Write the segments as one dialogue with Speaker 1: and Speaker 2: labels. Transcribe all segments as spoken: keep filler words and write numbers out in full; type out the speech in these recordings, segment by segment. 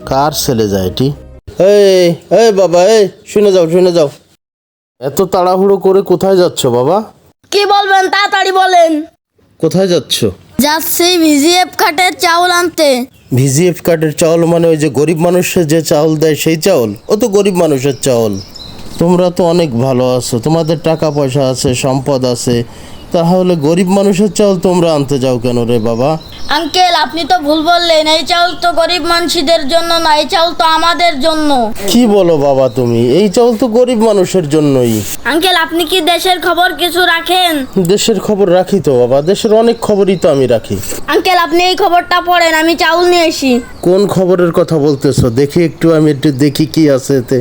Speaker 1: কার ছেলে যায় এটি? এই এই বাবা, এই শুনে যাও শুনে যাও। এত তাড়াহুড়ো করে কোথায় যাচ্ছ বাবা?
Speaker 2: কি বলবেন তাড়াতাড়ি বলেন।
Speaker 1: কোথায় যাচ্ছ?
Speaker 2: যাচ্ছি ভিজিএফ কার্ডের চাউল আনতে।
Speaker 1: ভিজিএফ কার্ডের চাউল মানে ওই যে গরিব মানুষের যে চাউল দেয় সেই চাউল? ও তো গরিব মানুষের চাউল। তোমরা তো অনেক ভালো আছো, তোমাদের টাকা পয়সা আছে, সম্পদ আছে, তাহলে গরিব মানুষের চাউল তোমরা আনতে যাও কেন রে বাবা?
Speaker 2: আঙ্কেল আপনি তো ভুল বললেন, এই চাউল তো গরিব মানুষদের জন্য না, এই চাউল তো আমাদের জন্য।
Speaker 1: কি বলো বাবা তুমি? এই চাউল তো গরিব মানুষের জন্যই।
Speaker 2: আঙ্কেল আপনি কি দেশের খবর কিছু রাখেন?
Speaker 1: দেশের খবর রাখি তো বাবা, দেশের অনেক খবরই তো আমি রাখি।
Speaker 2: আঙ্কেল আপনি এই খবরটা পড়েন, আমি চাউল নিয়ে আসি।
Speaker 1: কোন খবরের কথা বলতেছো? দেখি একটু, আমি একটু দেখি কি আছে এতে।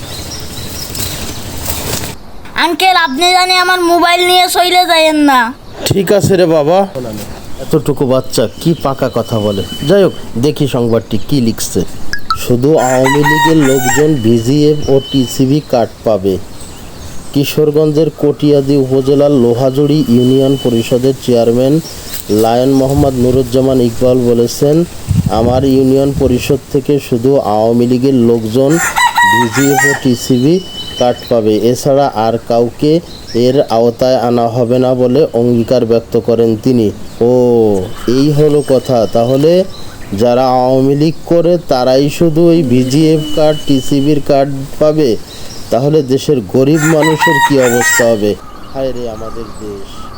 Speaker 2: আঙ্কেল আপনি জানি আমার মোবাইল নিয়ে চলে যায়েন না।
Speaker 1: ঠিক আছে রে বাবা। এতটুকু বাচ্চা কি পাকা কথা বলে। যাই হোক, দেখি সংবাদটি কি লিখছে। শুধু আওয়ামী লীগের লোকজন ভিজিএফ ও টিসিবি কার্ড পাবে। কিশোরগঞ্জের কটিয়াদি উপজেলার লোহাজুড়ি ইউনিয়ন পরিষদের চেয়ারম্যান লায়ন মোহাম্মদ নুরুজ্জামান ইকবাল বলেছেন, আমার ইউনিয়ন পরিষদ থেকে শুধু আওয়ামী লীগের লোকজন ভিজিএফ ও টিসিবি কার্ড পাবে, এছাড়া আর কাউকে এর আওতায় আনা হবে না বলে অঙ্গীকার ব্যক্ত করেন তিনি। ও এই হলো কথা, তাহলে যারা আওয়ামী লীগ করে তারাই শুধু ওই ভিজিএফ কার্ড টিসিবির কার্ড পাবে? তাহলে দেশের গরিব মানুষের কি অবস্থা হবে? হায় রে আমাদের দেশ।